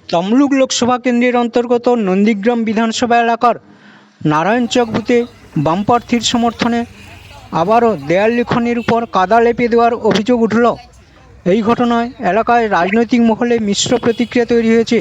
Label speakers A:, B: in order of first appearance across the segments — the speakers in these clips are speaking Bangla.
A: তমলুক লোকসভা কেন্দ্রের অন্তর্গত নন্দীগ্রাম বিধানসভা এলাকার নারায়ণচক বুথে বাম প্রার্থীর সমর্থনে আবারও দেয়াল লিখনের উপর কাদা লেপে দেওয়ার অভিযোগ উঠল। এই ঘটনায় এলাকায় রাজনৈতিক মহলে মিশ্র প্রতিক্রিয়া তৈরি হয়েছে।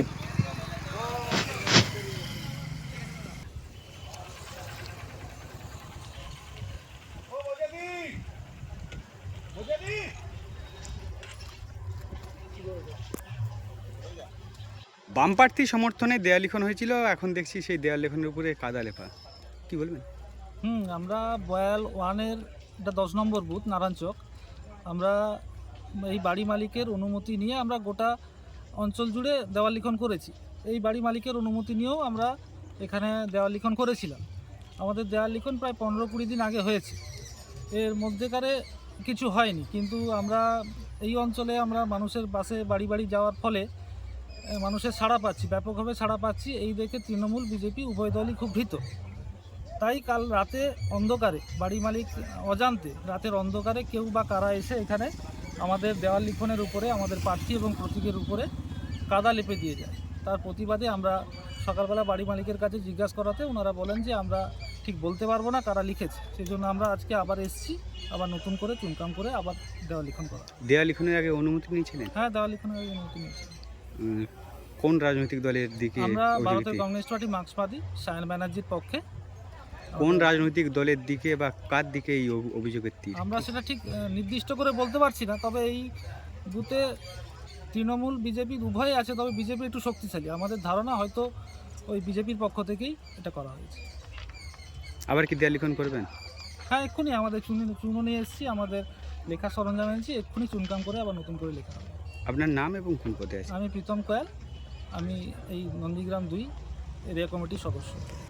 B: বাম প্রার্থী সমর্থনে দেয়াল লিখন হয়েছিল, এখন দেখছি সেই দেয়াল লিখনের উপরে কাদা লেপা। কি বলবেন?
C: আমরা বয়াল ওয়ানের এটা 10 নম্বর বুথ নারায়ণচক। আমরা এই বাড়ি মালিকের অনুমতি নিয়ে আমরা গোটা অঞ্চল জুড়ে দেওয়াল লিখন করেছি। এই বাড়ি মালিকের অনুমতি নিয়েও আমরা এখানে দেওয়াল লিখন করেছিলাম। আমাদের দেওয়াল লিখন প্রায় 15-20 দিন আগে হয়েছে। এর মধ্যেকারে কিছু হয়নি, কিন্তু আমরা এই অঞ্চলে আমরা মানুষের বাসে বাড়ি বাড়ি যাওয়ার ফলে মানুষের সাড়া পাচ্ছি, ব্যাপকভাবে সাড়া পাচ্ছি। এই দেখে তৃণমূল বিজেপি উভয় দলই খুব ভীত। তাই কাল রাতে অন্ধকারে বাড়ি মালিক অজান্তে রাতের অন্ধকারে কেউ বা কারা এসে এখানে আমাদের দেওয়াল লিখনের উপরে আমাদের প্রার্থী এবং প্রতীকের উপরে কাদা লেপে দিয়ে যায়। তার প্রতিবাদে আমরা সকালবেলা বাড়ি মালিকের কাছে জিজ্ঞাসা করাতে ওনারা বলেন যে আমরা ঠিক বলতে পারবো না কারা লিখেছে। সেই জন্য আমরা আজকে আবার এসেছি, আবার নতুন করে চুনকাম করে আবার দেওয়াল লিখন করা।
B: দেয়াল লিখনের আগে অনুমতি নিয়েছিলেন?
C: হ্যাঁ, দেওয়াল লিখনের আগে অনুমতি নিয়েছি।
B: কোন রাজনৈতিক দলের দিকে?
C: আমরা ভারতের কমিউনিস্ট পার্টি মার্ক্সবাদী সায়ন ব্যানার্জির পক্ষে।
B: কোন রাজনৈতিক দলের দিকে বা কার দিকে এই অভিযোগের তীর?
C: আমরা সেটা ঠিক নির্দিষ্ট করে বলতে পারছি না, তবে এই বুথে তৃণমূল বিজেপি উভয় আছে, তবে বিজেপি একটু শক্তিশালী। আমাদের ধারণা হয়তো ওই বিজেপির পক্ষ থেকেই এটা করা হয়েছে।
B: আবার কি দেয়াল লিখন করবেন?
C: হ্যাঁ, এক্ষুনি আমাদের চুনো নিয়ে এসেছি, আমাদের লেখা সরঞ্জাম এনেছি, এক্ষুনি চুনকাম করে আবার নতুন করে লেখা হবে।
B: আপনার নাম এবং কোন পদে আছে?
C: আমি প্রীতম কয়াল, আমি এই নন্দীগ্রাম 2 এরিয়া কমিটির সদস্য।